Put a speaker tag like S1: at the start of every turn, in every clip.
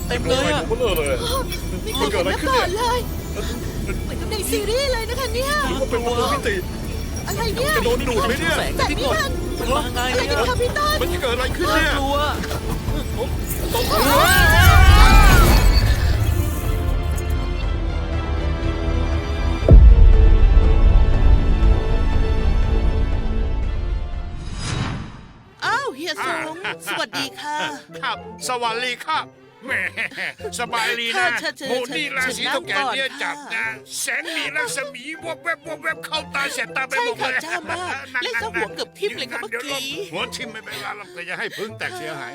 S1: เต็มเลยอะ
S2: เบลอเลย
S3: ไม่เคยเห็นมาก่อนเลยเหมือนกับในซีรีส์เลยนะคะเนี่ย
S2: หรือว่าเป็นประตูมิติ
S3: อะไรเนี่ย
S2: จะโดนดูดไหมเนี่ย
S1: แสง
S3: แต่
S1: พี่
S3: นี่
S1: กบ
S3: มัน
S1: มันมาไง
S3: อะไร
S1: เนี่ย
S3: กันคะพี่ต้น
S2: มันจะเกิดอะไรขึ้น
S1: น่า
S2: เนี่ย
S1: กลัว
S4: อ้าวเฮียสงสวัสดีค่ะ
S5: ครับสวัสดีครับแหมสบายดีนะ
S4: เชิญ
S5: หมูนี่ราศี
S4: เชิญ
S5: เท่าแก่เนี่ย
S4: นั่งก่อน
S5: จับนะ
S4: ค่ะ
S5: แสงมีรัศมีวบแวบวบแวบเข้าตาแสบตาไป
S4: ใช่
S5: หมด
S4: ค่ะ
S5: เลย
S4: จ้ามากเล่นซะหัวเกือบทิ่มเลยค่ะเมื่อ
S5: ดี๋วล
S4: กี้
S5: งหัวทิ่มไม่เป็นไรหรอกแต่อย่าให้พึ่งแตกเสียหาย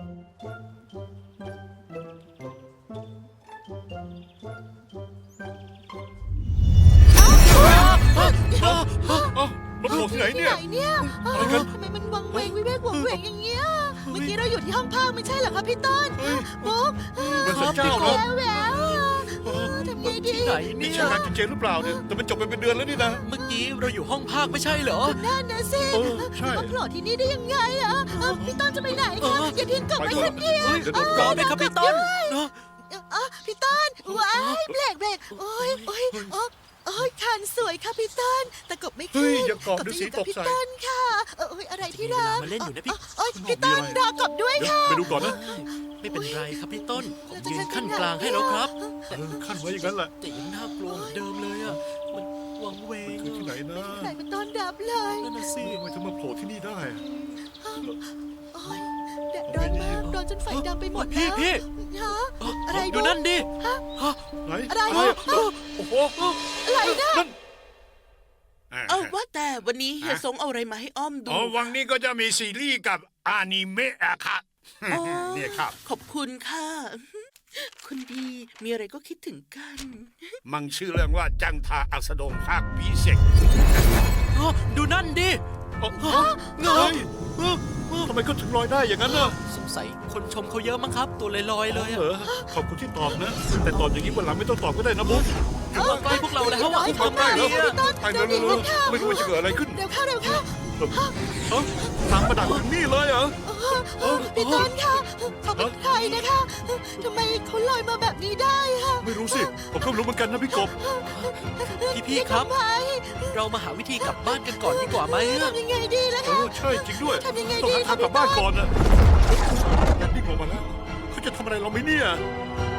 S2: มันโผล่ที่ไหนเนี่ย
S3: ไหนเนี่ย
S2: อะไรกัน
S3: ทำไมมันวังเวงวิเวกวังเวงอย่างเงี้ย เมื่อกี้เราอยู่ที่ห้องพักไม่ใช่เหรอคะพี่ต้นบุ๊ก
S2: มันสันเจ้า
S3: แว
S2: นะ
S3: วแววทำไงดี
S1: ที่ไหน
S2: นี่
S1: เนี่
S2: ใช่
S1: ย
S2: งานจริงๆหรือเปล่าเนี่ยแต่มันจบไปเป็นเดือนแล้วนี่นะ
S1: เมื่อกี้เราอยู่ห้องภาคไม่ใช่เหรอ
S3: นั่นนะสิ
S2: ใช่
S3: มาโผล่ที่นี่ได้ยังไงอะพี่ต้นจะไปไหนคะอย่าทิ้งกลับไปคนเดียว
S1: เฮ้ยรอด้วยครับพี่ต้นเนาะ
S3: พี่ต้นว้ายเบรกโอ้ยโอ้ยคันสวยค่ะพี่ต้นแต่กบไม่ขึ้น
S2: เฮ้ยอย่ากอดดูสิตก
S3: พี่
S2: ใส่
S3: ต้นค่ะอะไรที่รัก
S1: มาเล่นอยู่นะพี่
S3: โอ้ยพี่ต้นรอกบด้วย
S2: เดี๋ยว
S3: ค่ะ
S2: ไปดูก่อนนะ
S1: ไม่เป็นไรครับพี่ต้นผมยืนขั้นกลางให้แล้วครับ
S2: ขั้นไว้อย่างนั้นแหละ
S1: แต่ยังน่ากลัวเหมือนเดิมเลยอ่ะมันวังเวง
S2: คือที่ไหนนะ
S3: ไหนมันต้อนรับเลย
S1: นั่นน่ะสิ
S2: ทำไมถึงมาโผล่ที่นี่ได้อะ
S3: โอ้ยแดดร้อนมากร้อนจนไฟดำไปหมด
S1: พี่
S3: แล้วฮะอะไร
S1: ดูนั่นดิ
S2: ไหน
S3: อะไร
S2: โอ้โห
S3: อะไรนะ
S2: นั่น
S4: เอาว่าแต่วันนี้เฮียสงเอาอะไรมาให้อ้อมดู
S5: อ๋อวันนี้ก็จะมีซีรีส์กับอนิเมะอะครับ
S4: อ๋อ
S5: เนี่ยครับ
S4: ขอบคุณค่ะ คุณดีมีอะไรก็คิดถึงกัน
S5: มังชื่อเรื่องว่าจังทาอัสดงภาคปีเสก
S1: ดูนั่นดิ
S2: เงยทำไมเขาถึงลอยได้อย่างนั้นน่ะ
S1: สงสัยคนชมเขาเยอะมั้งครับ ตัวลอยๆเลย
S2: เหร
S1: อะ
S2: อขอบคุณที่ตอบนะ แต่ตอบอย่างนี้วันหลังไม่ต้องตอบก็ได้นะบุ๊ค
S1: ถึงว่าใกล้พวกเราแล้วอะ
S2: ทำได้แล้วไปเร็วๆไม่รู้ว่าจะเกิดอะไรขึ้น
S3: เร็วเข้า
S2: ตามมาดักถึงนี่เลยเหรอ
S3: พี่ต้นค่ะเขาเป็นใครนะคะทำไมเขาลอยมาแบบนี้ได้คะ
S2: ไม่รู้สิ ผมก็ไม่รู้เหมือนกันนะพี่กบ
S1: พี่ครับ
S3: ทำไม
S1: เรามาหาวิธีกลับบ้านกันก่อนดีกว่าไหมอะ
S3: ทำยังไงดีล่ะ
S2: เอ
S3: คะ
S2: อใช่จริงด้วย
S3: ทำยังไง
S2: ต้อง
S3: ดี
S2: หาทางกลับบ้านก่อนนะแบบนี้ลงมาแล้วเขาจะทำอะไรเราไหมเนี่ย